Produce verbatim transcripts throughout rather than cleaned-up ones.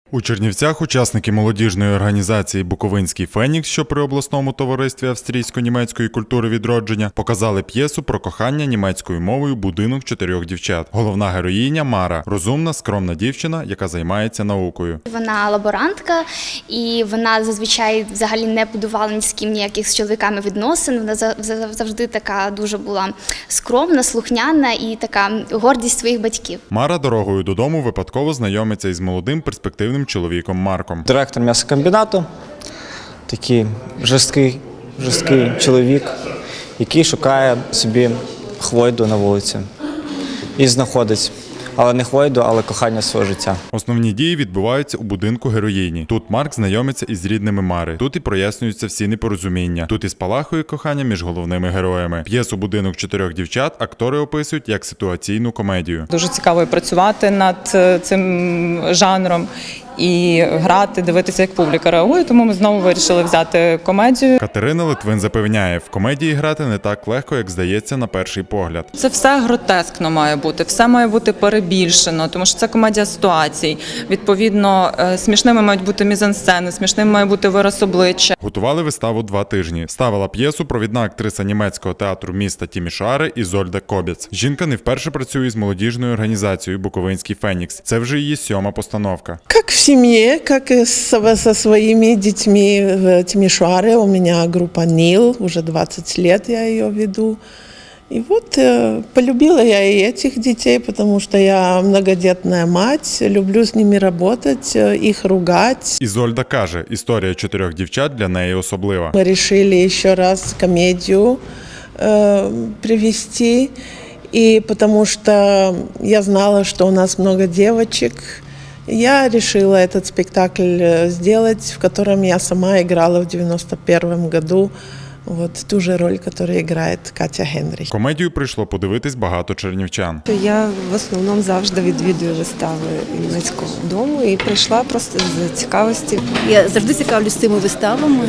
У Чернівцях учасники молодіжної організації «Буковинський Фенікс», що при обласному товаристві австрійсько-німецької культури відродження, показали п'єсу про кохання німецькою мовою «Будинок чотирьох дівчат». Головна героїня – Мара – розумна, скромна дівчина, яка займається наукою. Вона лаборантка, і вона зазвичай взагалі не будувала ні з ким ніяких з чоловіками відносин. Вона завжди така дуже була скромна, слухняна і така гордість своїх батьків. Мара дорогою додому випадково знайомиться із молодим перспективним чоловіком Марком. Директор м'ясокомбінату, такий жорсткий, жорсткий чоловік, який шукає собі хвойду на вулиці і знаходить. Але не хвойду, але кохання свого життя. Основні дії відбуваються у будинку героїні. Тут Марк знайомиться із рідними Мари. Тут і прояснюються всі непорозуміння. Тут і спалахує кохання між головними героями. П'єсу «Будинок чотирьох дівчат» актори описують як ситуаційну комедію. Дуже цікаво працювати над цим жанром і грати, дивитися, як публіка реагує, тому ми знову вирішили взяти комедію. Катерина Литвин запевняє, в комедії грати не так легко, як здається на перший погляд. Це все гротескно має бути, все має бути перебільшено, тому що це комедія ситуацій. Відповідно, смішними мають бути мізансцени, смішним має бути вираз обличчя. Готували виставу два тижні. Ставила п'єсу провідна актриса німецького театру міста Тімішоари Ізольда Кобєц. Жінка не вперше працює з молодіжною організацією «Буковинський Фенікс». Це вже її сьома постановка. Как в семье, как и со, со своими детьми в Тимишоаре. У меня группа НИЛ, уже двадцать лет я ее веду. И вот э, полюбила я и этих детей, потому что я многодетная мать, люблю с ними работать, их ругать. Ізольда каже, історія чотирьох дівчат для неї особлива. Мы решили еще раз комедию э, привести, и потому что я знала, что у нас много девочек. Я решила этот спектакль сделать, в котором я сама играла в девяносто первом году. Вот ту же роль, которую играет Катя Генрих. Комедію прийшло подивитись багато чернівчян. Я в основному завжди відвідую вистави німецького дому і прийшла просто з цікавості. Я завжди цікавлюсь цими виставами.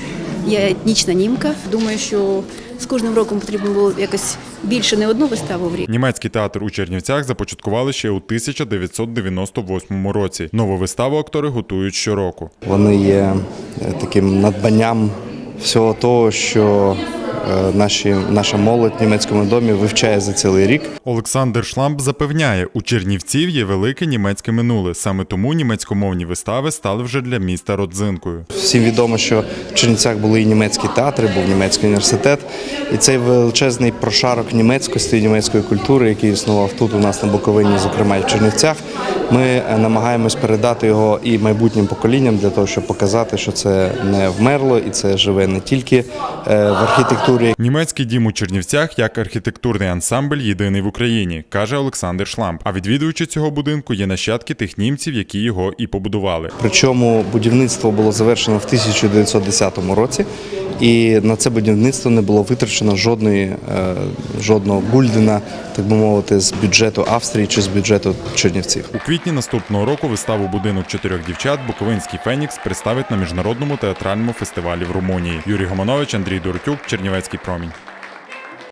Я етнічна німка. Думаю, що з кожним роком потрібно було якось більше, не одну виставу в рік. Німецький театр у Чернівцях започаткували ще у тисяча дев'ятсот дев'яносто восьмому році. Нову виставу актори готують щороку. Вони є таким надбанням всього того, що наші, наша молодь в німецькому домі вивчає за цілий рік. Олександр Шламп запевняє, у Чернівців є велике німецьке минуле. Саме тому німецькомовні вистави стали вже для міста родзинкою. Всім відомо, що в Чернівцях були і німецькі театри, був німецький університет. І цей величезний прошарок німецькості і німецької культури, який існував тут у нас на Буковині, зокрема і в Чернівцях, ми намагаємось передати його і майбутнім поколінням для того, щоб показати, що це не вмерло і це живе не тільки в архітектурі. Німецький дім у Чернівцях як архітектурний ансамбль єдиний в Україні, каже Олександр Шламп. А відвідувачі цього будинку є нащадки тих німців, які його і побудували. Причому будівництво було завершено в тисяча дев'ятсот десятому році. І на це будівництво не було витрачено жодної, жодного гульдена, так би мовити, з бюджету Австрії чи з бюджету Чернівців. У квітні наступного року виставу «Будинок чотирьох дівчат» Буковинський Фенікс представить на міжнародному театральному фестивалі в Румунії. Юрій Гомонович, Андрій Доротюк, Чернівецький промінь.